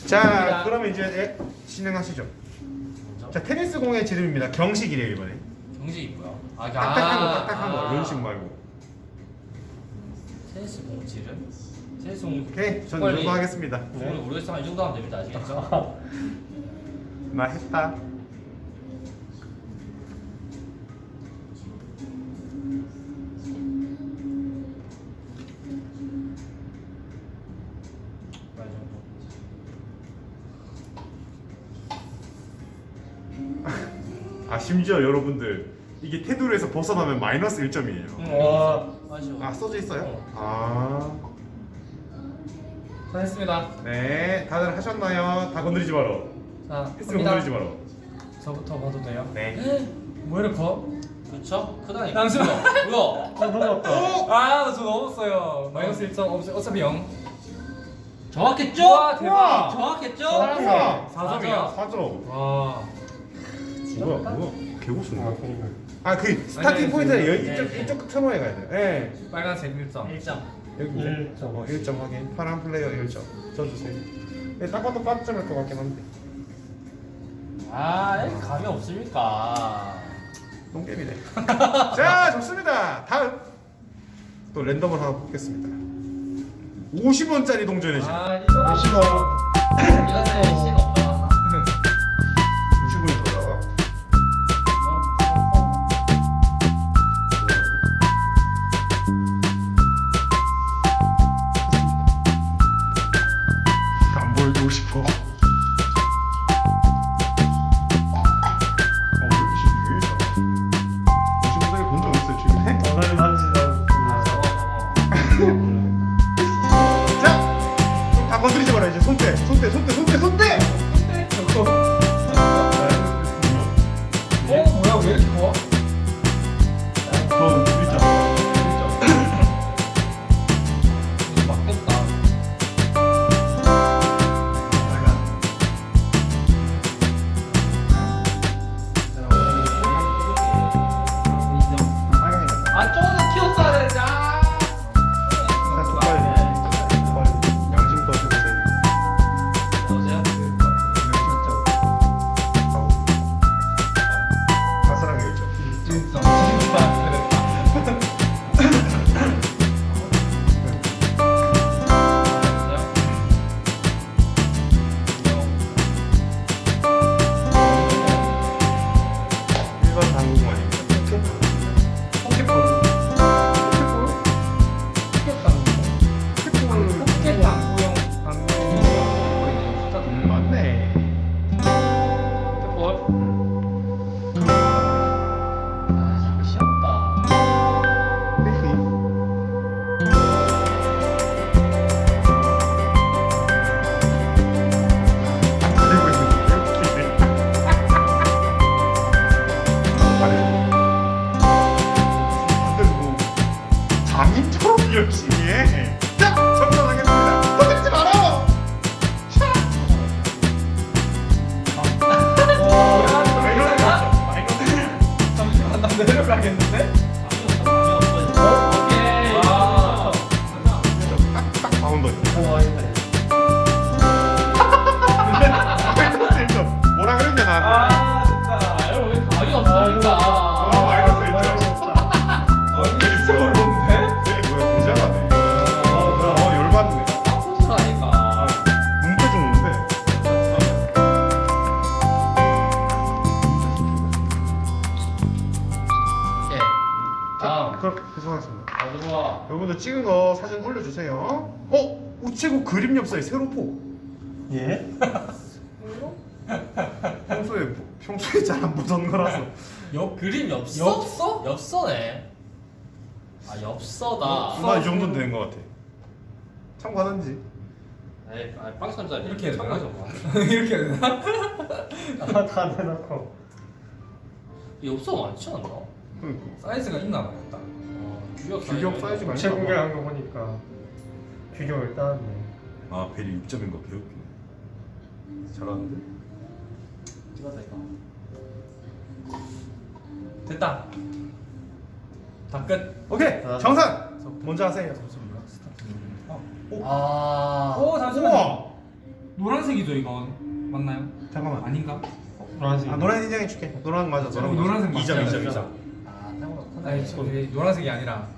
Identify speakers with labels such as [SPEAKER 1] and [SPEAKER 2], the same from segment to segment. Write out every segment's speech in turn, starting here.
[SPEAKER 1] 자, 그러면 이제 진행하시죠. 자, 테니스 공의 지름입니다. 경식이래요 이번에.
[SPEAKER 2] 경식이 뭐야?
[SPEAKER 1] 딱딱한 거, 이런 식 말고.
[SPEAKER 2] 테니스 공 지름? 테니스 공.
[SPEAKER 1] 오케이, 저는 이 정도 하겠습니다.
[SPEAKER 2] 오늘 모르겠지만 이 정도 하면 됩니다. 아시겠죠?
[SPEAKER 1] 나 했다.
[SPEAKER 2] 이 정도.
[SPEAKER 1] 아, 심지어 여러분들 이게 테두리에서 벗어나면 마이너스 1점이에요.
[SPEAKER 3] 와,
[SPEAKER 2] 아쉬워.
[SPEAKER 1] 아, 써져 있어요? 아,
[SPEAKER 3] 잘했습니다.
[SPEAKER 1] 네, 다들 하셨나요? 다 건드리지 마라.
[SPEAKER 3] 자,
[SPEAKER 1] 했으면
[SPEAKER 3] 갑니다.
[SPEAKER 1] 건드리지 마라.
[SPEAKER 3] 저부터 봐도 돼요?
[SPEAKER 1] 네.
[SPEAKER 3] 뭐 이렇게 커?
[SPEAKER 2] 그쵸? 크다니까.
[SPEAKER 3] 잠시만.
[SPEAKER 2] 뭐야?
[SPEAKER 3] 넘었다. 아, 나저 넘었어요. 마이너스 1점 어차피 0.
[SPEAKER 2] 정확했죠?
[SPEAKER 3] 우와, 대박.
[SPEAKER 2] 정확했죠?
[SPEAKER 1] 우와.
[SPEAKER 3] 4점이야.
[SPEAKER 1] 4점.
[SPEAKER 3] 와.
[SPEAKER 1] 뭐야? 개고수네. 아, 그
[SPEAKER 3] 아니,
[SPEAKER 1] 스타팅 포인트는
[SPEAKER 2] 네.
[SPEAKER 1] 이쪽 터널에 가야 돼요. 네.
[SPEAKER 3] 빨간색 1점.
[SPEAKER 2] 1점.
[SPEAKER 1] 여기 1점. 1점 확인. 파란 플레이어 1점. 써주세요. 네, 딱 봐도 빠점일 것 같긴 한데.
[SPEAKER 2] 아, 이렇게 감이 없습니까?
[SPEAKER 1] 똥게임이네. 자, 좋습니다. 다음 또 랜덤을 하나 뽑겠습니다. 50원짜리 동전의 집.
[SPEAKER 3] 아, 이거
[SPEAKER 1] 50원.
[SPEAKER 2] 이것은 시가 없다.
[SPEAKER 1] 50원이 더 나와. 안 보여주고 싶어.
[SPEAKER 3] 전화를 만지다.
[SPEAKER 1] 자, 다 건드리지 마라 이제 손대.
[SPEAKER 3] 뭐야, 왜 이렇게 커?
[SPEAKER 1] 저 있잖아.
[SPEAKER 2] 이거 막혔다. 아, 조금 키웠어야 되는데. 아.
[SPEAKER 1] 양심껏 해보세요.
[SPEAKER 2] 여보세요?
[SPEAKER 1] 아슬하게 있죠.
[SPEAKER 3] 진짜.
[SPEAKER 1] 일반 당구만입니다.
[SPEAKER 3] 포켓볼. 포켓 당구용 당구용
[SPEAKER 1] 맞네.
[SPEAKER 3] 포켓볼.
[SPEAKER 2] 아, 귀엽다.
[SPEAKER 1] 그리고 있는 다들 뭐 장인처럼 열심히 해. 자, 정산하겠습니다. 건드리지 마라. 왜 이러는 거죠?
[SPEAKER 3] 잠시만, 나 내려가겠는데?
[SPEAKER 2] 오케이.
[SPEAKER 3] 와.
[SPEAKER 1] 딱 바운더.
[SPEAKER 3] 와, 이거.
[SPEAKER 1] 뭐라 그랬냐 나.
[SPEAKER 3] 아, 진짜.
[SPEAKER 2] 여러분 왜 감이 없습니까?
[SPEAKER 1] 되게 뭐야 굉장하네. 열받네.
[SPEAKER 2] 아,
[SPEAKER 1] 문패 좀 오는데.
[SPEAKER 2] 오케이. 다음.
[SPEAKER 1] 그렇게 죄송하겠습니다.
[SPEAKER 2] 좋아.
[SPEAKER 1] 여러분들 찍은 거 사진 올려주세요. 우체국 그림 엽서에 세로포.
[SPEAKER 3] 예?
[SPEAKER 1] 평소에 잘 안 보던 거라서.
[SPEAKER 2] 그림 엽서?
[SPEAKER 3] 엽서?
[SPEAKER 2] 엽서네. 아, 엽서다.
[SPEAKER 1] 나 이 정도는 되는 것 같아. 참고하는지.
[SPEAKER 2] 에이, 빵 삼자
[SPEAKER 3] 이렇게 해야 되나?
[SPEAKER 2] 참고해서
[SPEAKER 3] 이렇게 해야 되나? 아, 다 대놓고.
[SPEAKER 2] 엽서 많지 않나?
[SPEAKER 1] 그러니까.
[SPEAKER 3] 사이즈가 있나 봐요, 딱.
[SPEAKER 1] 규격 사이즈가
[SPEAKER 3] 제
[SPEAKER 1] 있나 봐.
[SPEAKER 3] 공개한 거 보니까 규격을 따네.
[SPEAKER 1] 아, 벨이 6점인 거 배웠네. 잘하는데?
[SPEAKER 2] 이거다 이거.
[SPEAKER 3] 됐다. 다 끝.
[SPEAKER 1] 오케이!
[SPEAKER 3] 자,
[SPEAKER 1] 정산! 먼저 하세요.
[SPEAKER 3] 잠시만요. 스타트.
[SPEAKER 2] 아.
[SPEAKER 3] 오, 잠시만요.
[SPEAKER 1] 우와!
[SPEAKER 3] 노란색이죠 이건 맞나요?
[SPEAKER 1] 잠깐만.
[SPEAKER 3] 아닌가?
[SPEAKER 4] 노란색.
[SPEAKER 1] 아 노란 인정해 줄게. 노란 맞아.
[SPEAKER 3] 어, 노란색 맞죠?
[SPEAKER 1] 2점
[SPEAKER 3] 맞죠?
[SPEAKER 1] 2점.
[SPEAKER 2] 아 생각보다
[SPEAKER 3] 아니
[SPEAKER 2] 컸네.
[SPEAKER 3] 노란색이 아니라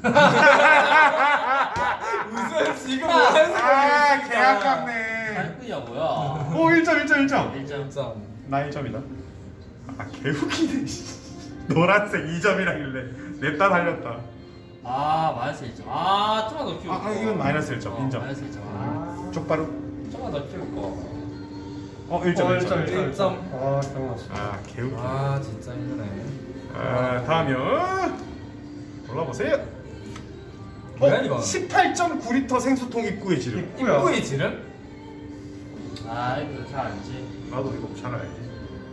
[SPEAKER 3] 무슨 지금 노란색
[SPEAKER 1] 아 개아깝네.
[SPEAKER 2] 할거야 뭐야?
[SPEAKER 1] 오 1점 1점 1점.
[SPEAKER 2] 1점.
[SPEAKER 1] 나 1점이다. 아 개웃기네. 노란색 2점이라길래 냅다 달렸다.
[SPEAKER 2] 아 마이너스 1점. 아 좀만 더 키울까?
[SPEAKER 1] 아, 이건 마이너스 1점, 인정.
[SPEAKER 2] 마이너스 1점. 아
[SPEAKER 1] 족바로.
[SPEAKER 2] 좀만 더 키울까?
[SPEAKER 1] 1점 1점.
[SPEAKER 3] 1점.
[SPEAKER 4] 아 경험했어.
[SPEAKER 1] 아 개웃기네.
[SPEAKER 3] 아 진짜 힘드네.
[SPEAKER 1] 다음이요. 골라보세요.
[SPEAKER 3] 뭐야, 이건?
[SPEAKER 1] 18.9리터 생수통 입구의 지름.
[SPEAKER 4] 입구야.
[SPEAKER 3] 입구의 지름?
[SPEAKER 2] 아 이거 잘 알지.
[SPEAKER 1] 나도 이거 잘 알지.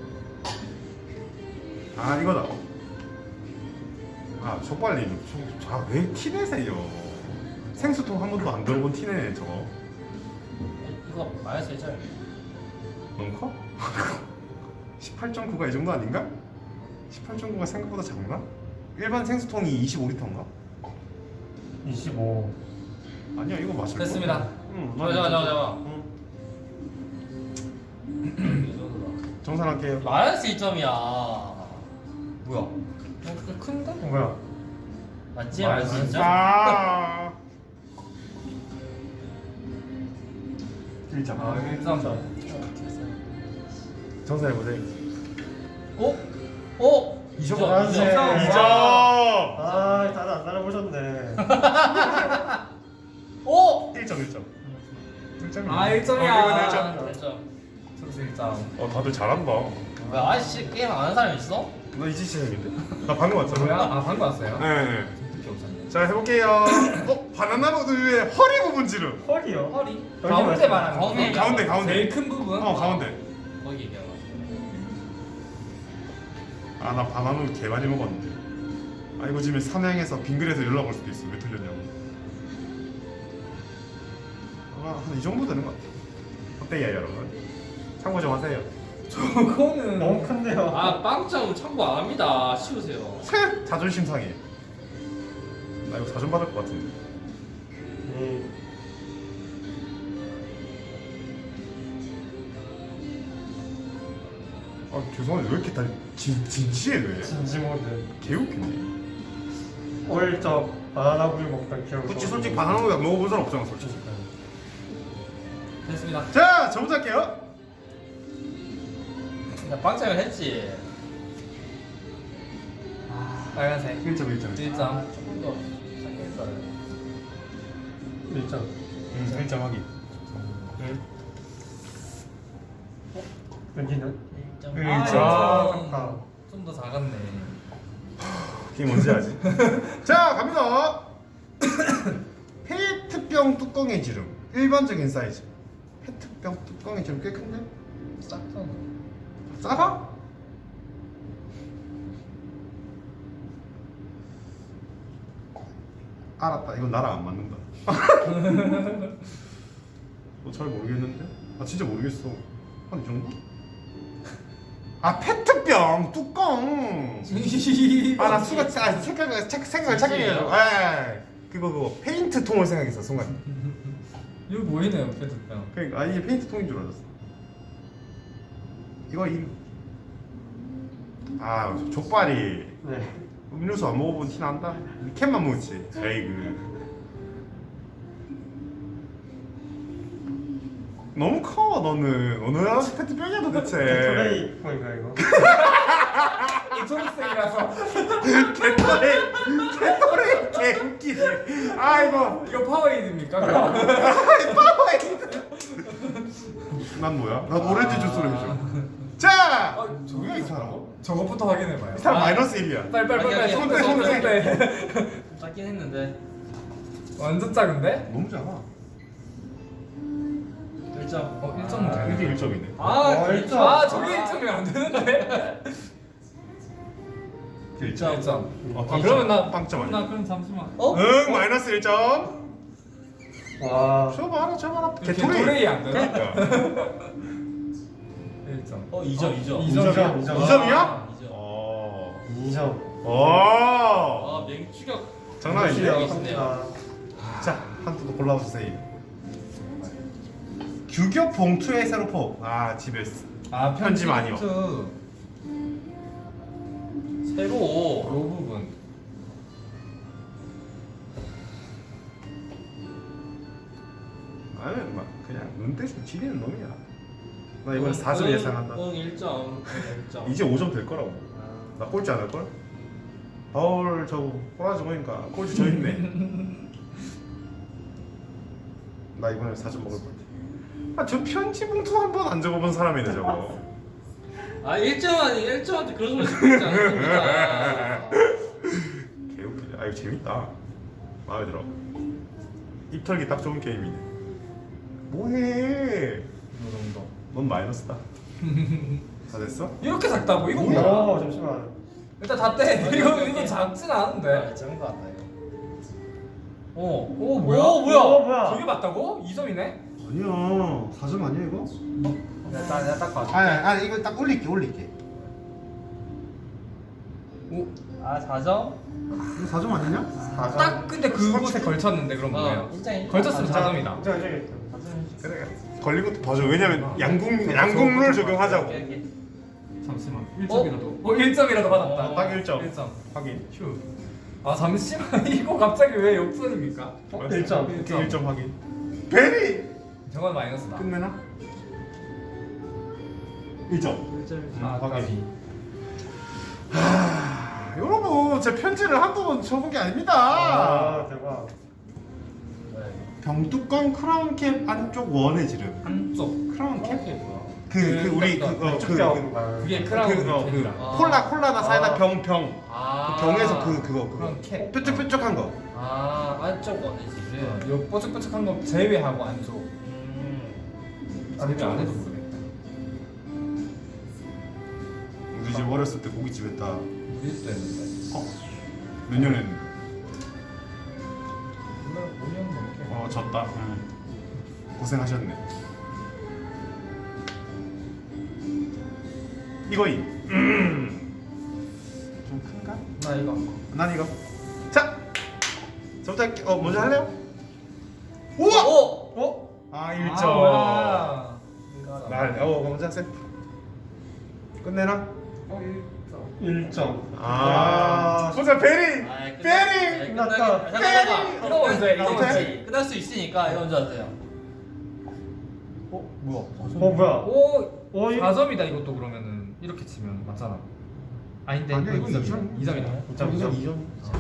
[SPEAKER 1] 아 이거다. 아 족발님, 왜 티내세요? 생수통 한 번도 안 들어본 티내네 저거.
[SPEAKER 2] 이거 마이너스 1점.
[SPEAKER 1] 너무 커? 18.9가 이 정도 아닌가? 18.9가 생각보다 작나? 일반 생수통이 25리터인가?
[SPEAKER 4] 25.
[SPEAKER 1] 아니야 이거 맞을
[SPEAKER 3] 됐습니다.
[SPEAKER 1] 응.
[SPEAKER 2] 잠깐.
[SPEAKER 1] 정산할게요.
[SPEAKER 2] 마이너스 1점이야.
[SPEAKER 3] 뭐야? 큰데?
[SPEAKER 4] 뭐야?
[SPEAKER 2] 맞지? 마이너스 1점?
[SPEAKER 1] 아. 1점.
[SPEAKER 3] 아 1점.
[SPEAKER 1] 정산해 보세요.
[SPEAKER 2] 어? 어?
[SPEAKER 1] 2점.
[SPEAKER 4] 노란색.
[SPEAKER 1] 2점.
[SPEAKER 4] 아 다들 안 따라보셨네.
[SPEAKER 2] 어?
[SPEAKER 1] 1점 1점. 1점이야.
[SPEAKER 3] 아, 1점이야.
[SPEAKER 1] 이건 1점.
[SPEAKER 2] 1점.
[SPEAKER 3] 점수 1점.
[SPEAKER 1] 다들 잘한다.
[SPEAKER 2] 왜 아저씨 게임 안 하는 사람 있어?
[SPEAKER 1] 나 이제 시작인데. 나 방금 왔잖아.
[SPEAKER 3] 뭐야? 아 방금 왔어요?
[SPEAKER 1] 네.
[SPEAKER 3] 특히 없었네.
[SPEAKER 1] 자 해볼게요. 바나나 우유의 허리 부분 지름.
[SPEAKER 4] 헐이요.
[SPEAKER 2] 허리?
[SPEAKER 3] 가운데 말하는
[SPEAKER 2] 가운데.
[SPEAKER 3] 거지?
[SPEAKER 1] 가운데 가운데.
[SPEAKER 3] 제일 큰 부분?
[SPEAKER 1] 가운데.
[SPEAKER 2] 거기 얘기하나?
[SPEAKER 1] 아 나 바나나 우유 개 많이 먹었는데. 아 이거 지금 삼양에서 빙글에서 연락 올 수도 있어. 왜 틀렸냐고. 한 이 정도 되는 것 같아. 어때요 여러분? 참고 좀 하세요.
[SPEAKER 3] 저거는
[SPEAKER 4] 너무 큰데요.
[SPEAKER 2] 아 빵점 참고 안 합니다. 치우세요.
[SPEAKER 1] 자존심 상해. 나 이거 자존 받을 것 같은데. 아 죄송한데 왜 이렇게 다 진지해 왜?
[SPEAKER 4] 진지 모드.
[SPEAKER 1] 개웃기네.
[SPEAKER 4] 어릴 적 바나나 우유 먹던 기억.
[SPEAKER 1] 그치 솔직히 바나나 우유 안 먹어본 사람 없잖아 솔직히.
[SPEAKER 3] 됐습니다.
[SPEAKER 1] 자 저부터 할게요.
[SPEAKER 2] 나 빵점을 했지.
[SPEAKER 3] 빨간색
[SPEAKER 1] 1점 1점.
[SPEAKER 3] 1점.
[SPEAKER 2] 조금 더 착했어요.
[SPEAKER 4] 1점.
[SPEAKER 1] 1점 확인.
[SPEAKER 4] 여기는
[SPEAKER 2] 1점.
[SPEAKER 1] 일점.
[SPEAKER 4] 아.
[SPEAKER 3] 좀 더 작았네.
[SPEAKER 1] 이게 뭔지 알지? 자 갑니다. 페트병 뚜껑의 지름. 일반적인 사이즈. 페트병 뚜껑의 지름 꽤 큰데?
[SPEAKER 2] 싹잖아.
[SPEAKER 1] 작아? 알았다. 이건 나랑 안 맞는다. 잘 모르겠는데? 아 진짜 모르겠어. 한 이 정도? 아 페트병 뚜껑. 아 나 수가 생각을 착각해가지고. 그거 페인트 통을 생각했어 순간.
[SPEAKER 3] 이거 보이네요 페트병.
[SPEAKER 1] 그러니까 이게 페인트 통인 줄 알았어. 이거 족발이
[SPEAKER 4] 네.
[SPEAKER 1] 음료수 안 먹어본 티 난다. 캔만 먹었지. 에이그. 너무 커 너는. 어느 페트병이야 도대체.
[SPEAKER 4] 토레이 뭐인가 이거?
[SPEAKER 3] 이 초록색이라서
[SPEAKER 1] 개토레 개웃기네. 아이고.
[SPEAKER 3] 이거 파워에이드입니까?
[SPEAKER 1] 난 뭐야? 난 오렌지 주스로 해줘. 자.
[SPEAKER 3] 저게
[SPEAKER 1] 이 사람?
[SPEAKER 3] 저것부터 확인해봐요.
[SPEAKER 1] 이 사람 마이너스 1이야.
[SPEAKER 3] 빨리
[SPEAKER 1] 손대,
[SPEAKER 3] 손대.
[SPEAKER 2] 작긴 했는데.
[SPEAKER 3] 완전 작은데?
[SPEAKER 1] 너무 작아.
[SPEAKER 2] 1점.
[SPEAKER 3] 1점
[SPEAKER 1] 이게 1점이네.
[SPEAKER 3] 저게 1점이 안 되는데?
[SPEAKER 1] 1점.
[SPEAKER 3] 1점. 그러면 나
[SPEAKER 1] 빵점 아니야?
[SPEAKER 3] 나 그럼 잠시만.
[SPEAKER 1] 응 마이너스 1점.
[SPEAKER 4] 와.
[SPEAKER 1] 줘봐라.
[SPEAKER 3] 개토레이 안 되나?
[SPEAKER 1] 그러니까.
[SPEAKER 3] 1점.
[SPEAKER 2] 2점.
[SPEAKER 4] 2점.
[SPEAKER 1] 2점이야?
[SPEAKER 2] 2점.
[SPEAKER 4] 2점.
[SPEAKER 2] 아 맹추격.
[SPEAKER 1] 장난 아니지?
[SPEAKER 2] 네.
[SPEAKER 1] 자, 한 두 골라주세요. 규격 봉투에 세로포. 아 집에 있어.
[SPEAKER 3] 아
[SPEAKER 1] 편지 많이
[SPEAKER 3] 포인트.
[SPEAKER 2] 새로.
[SPEAKER 3] 요 부분.
[SPEAKER 1] 나는 막 그냥 눈대중 지리는 놈이야. 나 이번에 4점 예상한다.
[SPEAKER 2] 응 1점. 1점.
[SPEAKER 1] 이제 5점 될 거라고. 나 꼴찌 안 할 걸? 바울 저거 꼬라지 보니까 꼴찌 저 있네. 나 이번에 4점 먹을 것 같아. 아저 편지 봉투 한 번 안 적어본 사람이네 저거.
[SPEAKER 2] 아 1점한테 그런 소리 듣지 않습니다.
[SPEAKER 1] 개웃기네. 아 이거 재밌다. 마음에 들어. 입털기 딱 좋은 게임이네. 뭐해?
[SPEAKER 3] 요 정도.
[SPEAKER 1] 넌 마이너스다. 다 됐어?
[SPEAKER 3] 이렇게 작다고? 이거
[SPEAKER 1] 뭐야?
[SPEAKER 3] 뭐야?
[SPEAKER 4] 잠시만.
[SPEAKER 3] 일단 다 떼. 이거 작진 않은데.
[SPEAKER 2] 작은 거 같다 이거.
[SPEAKER 3] 오 뭐야?
[SPEAKER 2] 오, 뭐야?
[SPEAKER 4] 뭐야?
[SPEAKER 3] 저게 맞다고? 2점이네?
[SPEAKER 1] 아니야. 4점 아니야 이거?
[SPEAKER 3] 내가 딱 봐줄게.
[SPEAKER 1] 아니 이거 딱 올릴게.
[SPEAKER 3] 오,
[SPEAKER 2] 아 4점?
[SPEAKER 1] 이거 4점 아니냐?
[SPEAKER 3] 딱 근데 그곳에 걸쳤는데 그럼 뭐예요?
[SPEAKER 2] 인정.
[SPEAKER 3] 걸쳤으면 4점이다.
[SPEAKER 4] 인정.
[SPEAKER 1] 그래. 걸린 것도 봐줘. 왜냐면 양궁룰 적용하자고.
[SPEAKER 3] 잠시만. 1점이라도. 1점이라도 받았다.
[SPEAKER 1] 딱 1점.
[SPEAKER 3] 1점.
[SPEAKER 1] 확인.
[SPEAKER 3] 휴. 아 잠시만. 이거 갑자기 왜 역전입니까?
[SPEAKER 4] 1점.
[SPEAKER 1] 오케이 1점 확인. 베리.
[SPEAKER 3] 저건 마이너스다.
[SPEAKER 1] 끝내나? 1점.
[SPEAKER 2] 1점.
[SPEAKER 3] 아,
[SPEAKER 1] 확인. 하, 여러분 제 편지를 한두 번 적은 게 아닙니다.
[SPEAKER 4] 아 대박.
[SPEAKER 1] 병뚜껑 크라운캡 안쪽 원의 지름.
[SPEAKER 3] 한쪽.
[SPEAKER 1] 크라운캡?
[SPEAKER 2] 뭐야?
[SPEAKER 1] 그 우리
[SPEAKER 3] 그게 크라운 캡이라.
[SPEAKER 1] 콜라나 사이다 병
[SPEAKER 2] 아.
[SPEAKER 1] 그 병에서 그거
[SPEAKER 3] 그런 캡.
[SPEAKER 1] 뾰족뾰족한 거.
[SPEAKER 2] 아 안쪽 원이지.
[SPEAKER 3] 요 뽀짝뽀짝한 거 제외하고 안쪽. 제외 안 해도 모르겠다.
[SPEAKER 1] 우리 집 어렸을 때 고깃집 했다.
[SPEAKER 3] 우리도 했는데.
[SPEAKER 1] 몇 년 했는데?
[SPEAKER 3] 몰라 5년 넘게.
[SPEAKER 1] 졌다. 고생하셨네. 이거임. 좀 큰가?
[SPEAKER 3] 나 이거.
[SPEAKER 1] 난 이거. 자, 저부터 할게. 먼저 할래요? 우와!
[SPEAKER 2] 오.
[SPEAKER 1] 아
[SPEAKER 3] 아,
[SPEAKER 1] 1점.
[SPEAKER 3] 뭐야.
[SPEAKER 1] 날, 먼저 하세요. 끝내나?
[SPEAKER 4] 1점.
[SPEAKER 1] 보자 베리.
[SPEAKER 2] 아,
[SPEAKER 1] 베리.
[SPEAKER 4] 끝났다.
[SPEAKER 2] 잠깐만.
[SPEAKER 3] 이거 먼저 해, 이거
[SPEAKER 2] 끝났지.
[SPEAKER 3] 먼저.
[SPEAKER 2] 끝날 수 있으니까 이거 먼저 하세요.
[SPEAKER 3] 뭐야?
[SPEAKER 4] 뭐야?
[SPEAKER 3] 오, 4점이다 이것도 그러면은 이렇게 치면 맞잖아. 아닌데
[SPEAKER 1] 아니야,
[SPEAKER 3] 이거
[SPEAKER 1] 이건
[SPEAKER 3] 2점이다. 2점이다.
[SPEAKER 1] 2점.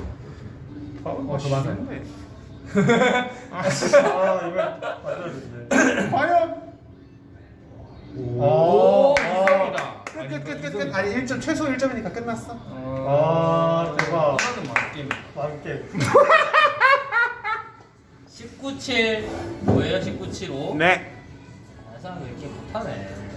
[SPEAKER 3] 저 맞아요.
[SPEAKER 4] 아 이거 맞아야 되는데.
[SPEAKER 1] 과연?
[SPEAKER 3] 오,
[SPEAKER 4] 아.
[SPEAKER 3] 2점이다.
[SPEAKER 1] 끝. 아니 1점 최소 1점이니까 끝났어.
[SPEAKER 4] 아, 대박.
[SPEAKER 3] 이거는 맞게.
[SPEAKER 4] 만개.
[SPEAKER 2] 19.7 뭐예요? 19.75?
[SPEAKER 1] 네.
[SPEAKER 2] 아, 사람 왜 이렇게 못하네.